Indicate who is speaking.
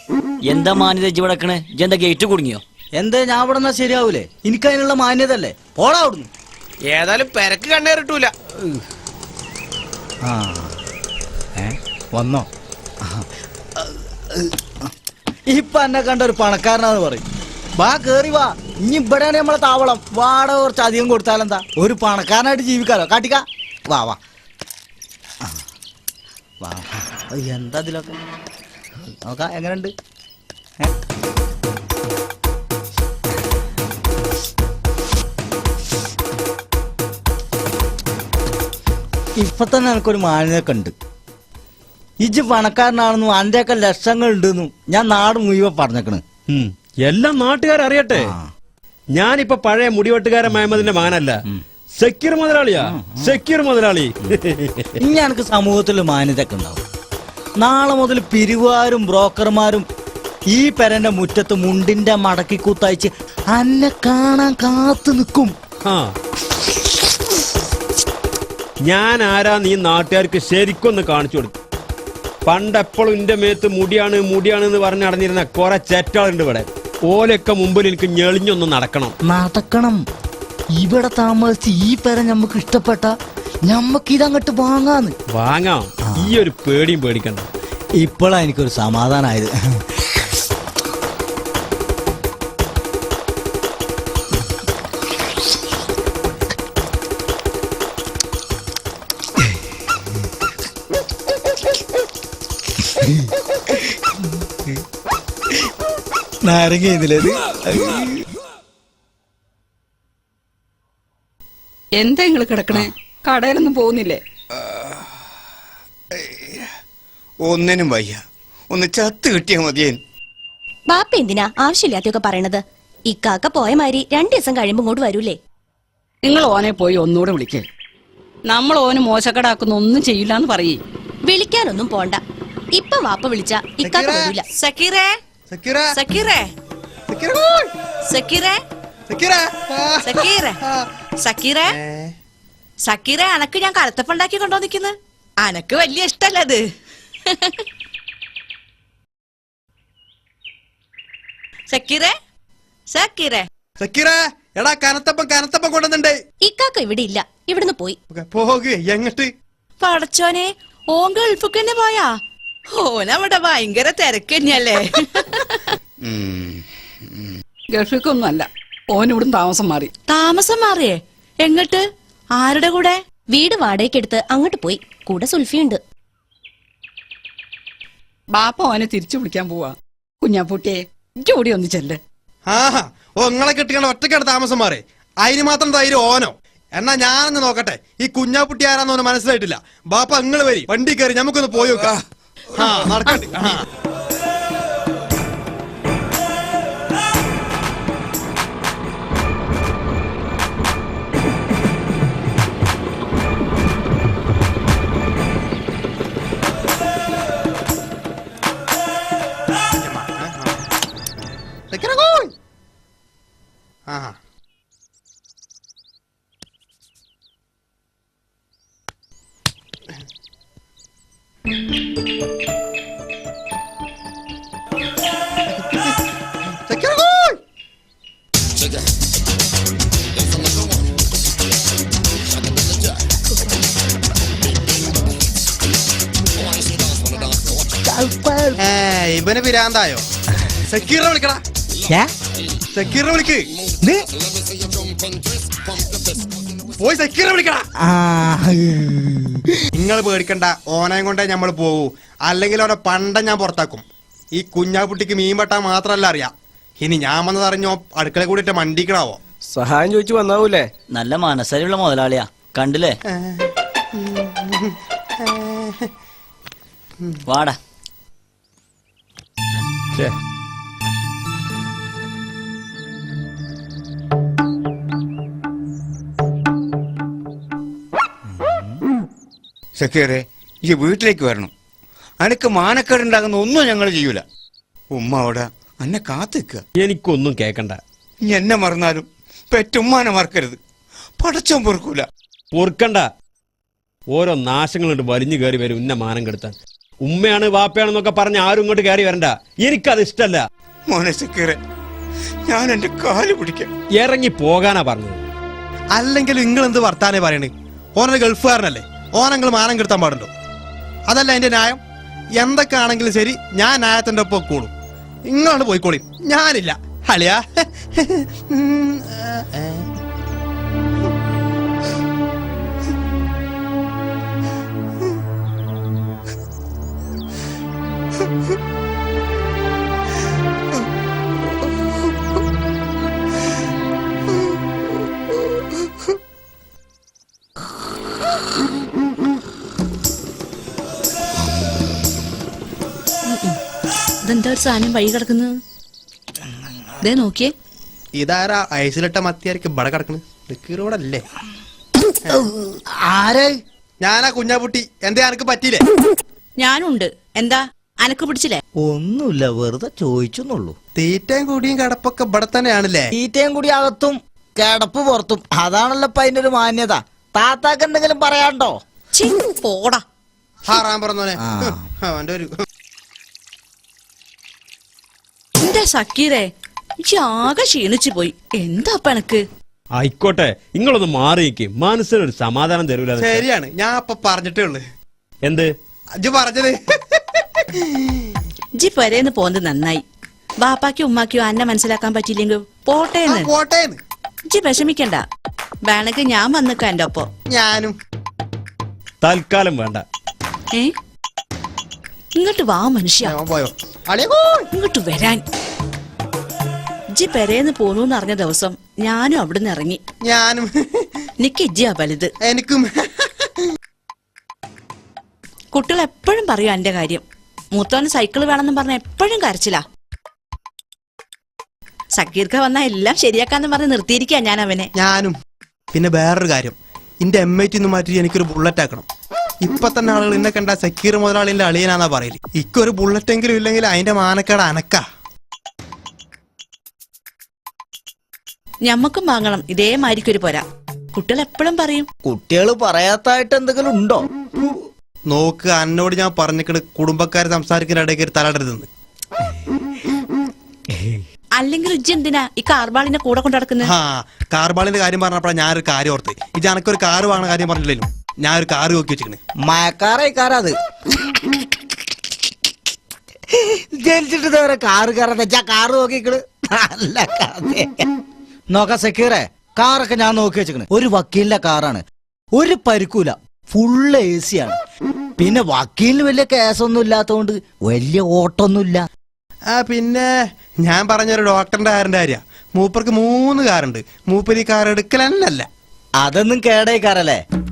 Speaker 1: എന്താ മാന്യത ഇവിടക്കണേ? എന്താ ഗേറ്റ് കുടുങ്ങിയോ?
Speaker 2: എന്താ ഞാൻ ഇവിടെ നിന്നാ ശരിയാവൂലേ? എനിക്കതിനുള്ള മാന്യത അല്ലേ. പോടാ അവിടുന്ന്.
Speaker 3: ഏതായാലും പെരക്ക് കണ്ണേറിട്ടൂല.
Speaker 2: ആ വന്നോ? ഇപ്പൊ എന്നെ കണ്ട ഒരു പണക്കാരനാന്ന് പറയും. വാ കേറി വാ. ഇനി ഇവിടെയാണ് നമ്മളെ താവളം. വാടക കുറച്ച് അധികം കൊടുത്താലെന്താ? ഒരു പണക്കാരനായിട്ട് ജീവിക്കാലോ. കാട്ടിക്ക വാ വാ വാ. എന്താ ഇതിലൊക്കെ നോക്കാം എങ്ങനെയുണ്ട്. ഇപ്പൊ തന്നെ എനിക്കൊരു മാന്യതൊക്കെ ഉണ്ട്. ഇജ്ജ് പണക്കാരനാണെന്നും അന്റെയൊക്കെ ലക്ഷങ്ങൾ ഉണ്ടെന്നും ഞാൻ നാട് മുഴുവൻ പറഞ്ഞേക്കണ്.
Speaker 4: എല്ലാം നാട്ടുകാരറിയട്ടെ. ഞാനിപ്പോ പഴയ മുടിവെട്ടുകാരൻ മഹമ്മദിന്റെ മകനല്ല, സെക്യൂർ മുതലാളിയാ. സെക്യൂർ മുതലാളി.
Speaker 2: ഇനി എനിക്ക് സമൂഹത്തിൽ മാന്യതൊക്കെ ഉണ്ടാവും. നാളെ മുതൽ പിരിവാരും ബ്രോക്കർമാരും ഈ പെരന്റെ മുറ്റത്ത് മുണ്ടിന്റെ മടക്കി കൂത്തയച്ച് അന്നെ കാണാൻ കാത്തു നിൽക്കും.
Speaker 4: ഞാൻ ആരാ നീ നാട്ടുകാർക്ക് ശരിക്കൊന്ന് കാണിച്ചു കൊടുക്കും. പണ്ടെപ്പോഴും എന്റെ മേത്ത് മുടിയാണ് മുടിയാണ് എന്ന് പറഞ്ഞ് നടന്നിരുന്ന കുറെ ചേറ്റാളുണ്ട് ഇവിടെ. ഓലൊക്കെ മുമ്പിൽ എനിക്ക് ഞെളിഞ്ഞൊന്ന് നടക്കണം. ഇവിടെ താമസിച്ച് ഈ പെര ഞമ്മക്ക് ഇഷ്ടപ്പെട്ട ഞമ്മക്ക് ഇതങ്ങോട്ട് വാങ്ങാം. ഈ ഒരു പേടിയും പേടിക്കണ്ട.
Speaker 2: ഇപ്പോഴാ എനിക്കൊരു സമാധാനമായത്. നാരങ്ങ
Speaker 5: എന്താ നിങ്ങള് കിടക്കണേ? കടയിലൊന്നും പോകുന്നില്ലേ?
Speaker 3: ഒന്നിനും വയ്യ. ഒന്ന് ചത്ത് കിട്ടിയാ മതിയേ.
Speaker 6: ബാപ്പ എന്തിനാ ആവശ്യമില്ലാത്തൊക്കെ പറയണത്? ഇക്കാക്ക പോയ മാതിരി 2 ദിവസം കഴിയുമ്പോ ഇങ്ങോട്ട് വരൂലേ?
Speaker 5: നിങ്ങൾ ഓനെ പോയി ഒന്നുകൂടെ വിളിക്കേ. നമ്മൾ ഓന് മോശക്കടാക്കുന്ന ഒന്നും ചെയ്യില്ലാന്ന് പറയേ.
Speaker 6: വിളിക്കാനൊന്നും പോണ്ട. ഇപ്പൊ വാപ്പ വിളിച്ച ഇക്കാക്ക വരൂല. സക്കീറേ സക്കീറേ സക്കീറേ സക്കീറേ സക്കീറേ സക്കീറേ അനക്ക് ഞാൻ കലത്തപ്പുണ്ടാക്കി കൊണ്ടോ നിക്കുന്നു. അനക്ക് വലിയ ഇഷ്ടല്ലേ അത്? സക്കീറേ സക്കീറേ
Speaker 3: സക്കീറേ എടാ കനത്തപ്പം കൊണ്ടുവന്നുണ്ട്.
Speaker 6: ഇക്കാക്ക ഇവിടെ ഇല്ല. ഇവിടുന്ന് പോയി.
Speaker 3: എങ്ങട്ട്?
Speaker 6: പടച്ചോനെ, ഓൻ ഗൾഫിക്ക് തന്നെ പോയാ? ഓനവിടെ ഭയങ്കര തിരക്ക് തന്നെയല്ലേ?
Speaker 5: ഗൾഫിക്കൊന്നും അല്ല, ഓൻ ഇവിടുന്ന് താമസം മാറിയേ? എങ്ങട്ട്? ആരുടെ കൂടെ?
Speaker 6: വീട് വാടകയ്ക്കെടുത്ത് അങ്ങോട്ട് പോയി. കൂടെ സുൽഫിയുണ്ട്.
Speaker 5: ബാപ്പ ഓനെ തിരിച്ചു വിളിക്കാൻ പോവാ. കുഞ്ഞാപ്പൂട്ടിയെ ജോടി ഒന്ന് ചെല്ല്.
Speaker 3: നിങ്ങളെ കെട്ടിക്കണ ഒറ്റക്കാണ് താമസം മാറി. അതിന് മാത്രം ധൈര്യം ഓനോ? എന്നാ ഞാനൊന്ന് നോക്കട്ടെ. ഈ കുഞ്ഞാപ്പുട്ടി ആരാന്നോന്ന് മനസ്സിലായിട്ടില്ല. ബാപ്പ നിങ്ങൾ വരി, വണ്ടി കയറി നമുക്കൊന്ന് പോയി നോക്കാം. നടക്കട്ടെ. ഇവന് പിരാന്തായോ? സക്കീറിനെ വിളിക്കടാ. സക്കീറിനെ വിളിക്ക്. പോയി സക്കീറിനെ വിളിക്കടാ. നിങ്ങൾ പേടിക്കണ്ട, ഓനയും കൊണ്ടേ നമ്മൾ പോകൂ. അല്ലെങ്കിൽ അവനെ പണ്ട ഞാൻ പുറത്താക്കും. ഈ കുഞ്ഞാപ്പുട്ടിക്ക് മീൻ വെട്ടാൻ മാത്രല്ല അറിയാം. ഇനി ഞാൻ വന്നതറിഞ്ഞോ അടുക്കള കൂടിയിട്ട് മണ്ടിക്കണാവോ?
Speaker 7: സഹായം ചോദിച്ചു വന്നാവൂലേ?
Speaker 1: നല്ല മനസ്സരിയുള്ള മുതലാളിയാ, കണ്ടില്ലേ? വാടാ.
Speaker 8: സക്കീറേ, ഈ വീട്ടിലേക്ക് വരണം. അനക്ക് മാനക്കേടുണ്ടാകുന്ന ഒന്നും ഞങ്ങൾ ചെയ്യൂല. ഉമ്മ അവിടെ എന്നെ കാത്തിക്കുക.
Speaker 4: എനിക്കൊന്നും കേക്കണ്ട.
Speaker 8: ഇനി എന്നെ മറന്നാലും പെറ്റുമ്മാനെ മറക്കരുത്. പടച്ചോൻ പൊറുക്കൂല.
Speaker 4: പൊറുക്കണ്ട. ഓരോ നാശങ്ങളുണ്ട് വലിഞ്ഞു കയറി വരും ഇന്ന മാനം കെടുത്താൻ. ഉമ്മയാണ് വാപ്പയാണെന്നൊക്കെ പറഞ്ഞ് ആരും ഇങ്ങോട്ട് കയറി വരണ്ട. എനിക്കത് ഇഷ്ടല്ല.
Speaker 8: മോനെ സക്കീറെ, ഞാൻ എന്റെ കാല് പിടിക്കാം.
Speaker 4: ഇറങ്ങി പോകാനാ പറഞ്ഞത്.
Speaker 3: അല്ലെങ്കിൽ നിങ്ങൾ എന്ത് വർത്താനേ പറയണേ? ഓനൊരു ഗൾഫുകാരനല്ലേ, ഓനങ്ങൾ മാനം കെടുത്താൻ പാടുണ്ടോ? അതല്ല എന്റെ ന്യായം. എന്തൊക്കെ ആണെങ്കിലും ശരി, ഞാൻ ന്യായത്തിന്റെ ഒപ്പം കൂടും. ഇങ്ങോട്ട് പോയിക്കോളി, ഞാനില്ല. അളിയാ
Speaker 6: ഇതെന്താ ഒരു സാധനം വഴി കിടക്കുന്നത്? ഇതേ നോക്കിയേ.
Speaker 3: ഇതാരാ ഐസിലിട്ട മത്തിയായിരിക്കും ഇവിടെ കിടക്കണ്? റോഡല്ലേ?
Speaker 2: ആരെ?
Speaker 3: ഞാനാ കുഞ്ഞാപുട്ടി. എന്തേ അനക്ക് പറ്റിയില്ലേ?
Speaker 6: ഞാനുണ്ട്. എന്താ അനക്ക് പിടിച്ചില്ലേ?
Speaker 2: ഒന്നുമില്ല, വെറുതെ ചോദിച്ചെന്നുള്ളൂ.
Speaker 3: തീറ്റയും കൂടിയും കിടപ്പൊക്കെ ഇവിടെ തന്നെയാണല്ലേ?
Speaker 2: തീറ്റയും കൂടി അകത്തും കിടപ്പ് പുറത്തും. അതാണല്ലോ ഇപ്പൊ അതിന്റെ ഒരു മാന്യത. താത്താക്ക് എന്തെങ്കിലും പറയാണ്ടോ?
Speaker 6: ഛീ, പോടാ.
Speaker 3: ഹാറാൻ പറഞ്ഞോനെ.
Speaker 2: ആ.
Speaker 3: അവന്റെ ഒരു
Speaker 6: എന്റെ സക്കീറേ, എനിക്ക് ആകെ ക്ഷീണിച്ചു പോയി. എന്താ അപ്പൊ എനക്ക്?
Speaker 4: ആയിക്കോട്ടെ, നിങ്ങളൊന്ന് മാറി നിൽക്ക്. മനസ്സിനൊരു സമാധാനം തരൂല.
Speaker 3: ശരിയാണ്, ഞാൻ അപ്പൊ പറഞ്ഞിട്ടേ ഉള്ളു.
Speaker 4: എന്ത്
Speaker 3: അജ് പറഞ്ഞത്?
Speaker 6: ജി പെരേന്ന് പോന്നത് നന്നായി. ബാപ്പാക്കും ഉമ്മാക്കും അന്നെ മനസ്സിലാക്കാൻ പറ്റിയില്ലെങ്കിൽ പോട്ടേന്ന്.
Speaker 3: പോട്ടേന്ന്
Speaker 6: ജി വിഷമിക്കണ്ട. വേണമെങ്കിൽ ഞാൻ വന്നിക്കാം എന്റെ ഒപ്പം.
Speaker 3: ഞാനും.
Speaker 4: തൽക്കാലം വേണ്ട.
Speaker 6: ഏ ഇങ്ങോട്ട് വാ മനുഷ്യ.
Speaker 3: ഞാൻ പോയോ? അളിയാ
Speaker 6: ഇങ്ങോട്ട് വരാൻ. ജി പെരേന്ന് പോന്നു അറിഞ്ഞ ദിവസം ഞാനും അവിടുന്ന് ഇറങ്ങി.
Speaker 3: ഞാനും.
Speaker 6: നിക്ക് ഇജ്ജിയാ വലുത്.
Speaker 3: എനിക്കും.
Speaker 6: കുട്ടികൾ എപ്പോഴും പറയും എന്റെ കാര്യം. മൂത്തവന് സൈക്കിള് വേണമെന്ന് പറഞ്ഞ എപ്പോഴും കരച്ചില്ല. സക്കീർക്ക വന്നാ എല്ലാം ശരിയാക്കാന്ന് പറഞ്ഞ് നിർത്തിയിരിക്കാ ഞാൻ അവനെ.
Speaker 3: ഞാനും. പിന്നെ വേറൊരു കാര്യം, എന്റെ M80 മാറ്റി എനിക്കൊരു ബുള്ളറ്റ് ആക്കണം. ഇപ്പൊ തന്നെ ആളുകൾ എന്നെ കണ്ട സക്കീർ മുതലാളിന്റെ അളിയനാന്നാ പറയല്. ഇക്കൊരു ബുള്ളറ്റ് എങ്കിലും ഇല്ലെങ്കിൽ അതിന്റെ മാനക്കേട് അനക്കാ.
Speaker 6: ഞമ്മക്കും വാങ്ങണം ഇതേമാതിരിക്കൊരു പോരാ. കുട്ടികൾ എപ്പോഴും പറയും.
Speaker 2: കുട്ടികള് പറയാത്തായിട്ട് എന്തെങ്കിലും ഉണ്ടോ?
Speaker 3: നോക്ക്, എന്നോട് ഞാൻ പറഞ്ഞിട്ട് കുടുംബക്കാര് സംസാരിക്കുന്ന ഇടയ്ക്ക് തലടരുതെന്ന്.
Speaker 6: അല്ലെങ്കിൽ ഇജ്ജ് എന്തിനാ ഈ കാർബാളിനെ കൂടെ കൊണ്ടു നടക്കുന്നത്?
Speaker 3: ആ, കാർബാളിന്റെ കാര്യം പറഞ്ഞപ്പോഴാണ് ഞാനൊരു കാര്യം ഓർത്ത്. ഇത് എനക്കൊരു കാറ് വാങ്ങുന്ന കാര്യം പറഞ്ഞില്ലല്ലോ. ഞാൻ ഒരു കാറ് നോക്കി വെച്ചിരിക്കണേ.
Speaker 2: മഴക്കാറേക്കാരത് ജനിച്ചിട്ട് ഇതുവരെ കാറ് കയറാതെ കാറ് നോക്കിക്കള്. നല്ല കഥ. നോക്കാം സക്കീറെ, കാറൊക്കെ ഞാൻ നോക്കി വെച്ചിക്കണ്. ഒരു വക്കീലിന്റെ കാറാണ്. ഒരു പരിക്കൂല, ഫുള്ള് AC ആണ്. പിന്നെ വക്കീലിന് വലിയ കേസൊന്നും ഇല്ലാത്തതുകൊണ്ട് വലിയ ഓട്ടൊന്നുമില്ല.
Speaker 3: ആ, പിന്നെ ഞാൻ പറഞ്ഞൊരു ഡോക്ടറിന്റെ കാറിന്റെ കാര്യ. മൂപ്പർക്ക് 3 കാറുണ്ട്. മൂപ്പര് ഈ കാർ എടുക്കലല്ല.
Speaker 2: അതൊന്നും കേടേക്കാറല്ലേ?